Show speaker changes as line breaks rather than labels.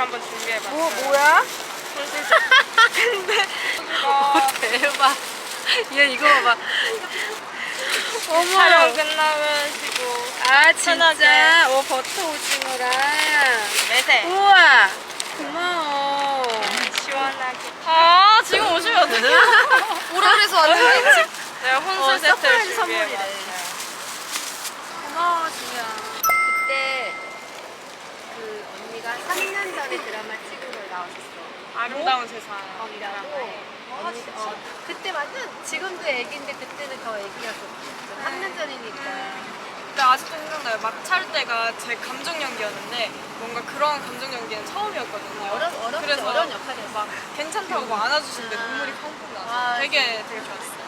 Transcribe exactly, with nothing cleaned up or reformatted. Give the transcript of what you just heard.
한번 준비해봤어요.
뭐 뭐야?
근데
오, 대박. 얘 이거 봐봐. 어머.
촬영 끝나면 쉬고
아 진짜?
편하게.
오 버터 오징어랑.
매세
우와. 고마워.
시원하게.
아 지금 오시면 어떡해요? 오라 그래서 왔는데
내가 혼술
어,
세트를
서프라이즈
준비해봤어요.
선물이래. 고마워 지우야. 그때 그 언니가 삼 년 전에 드라마 찍은 걸 나왔었어.
아름다운 세상.
이라고. 언니, 어, 그때 완전 지금도 애기인데 그때는 더 애기였어. 삼 년 전이니까.
근데 아직도 생각나요. 막 찰 때가 제 감정 연기였는데 뭔가 그런 감정 연기는 처음이었거든요.
어려 어려
그래서
어려운 역할이었어.
막 괜찮다고 막 안아주시는데 눈물이 펑펑 나서
아,
되게 되게 좋았어요.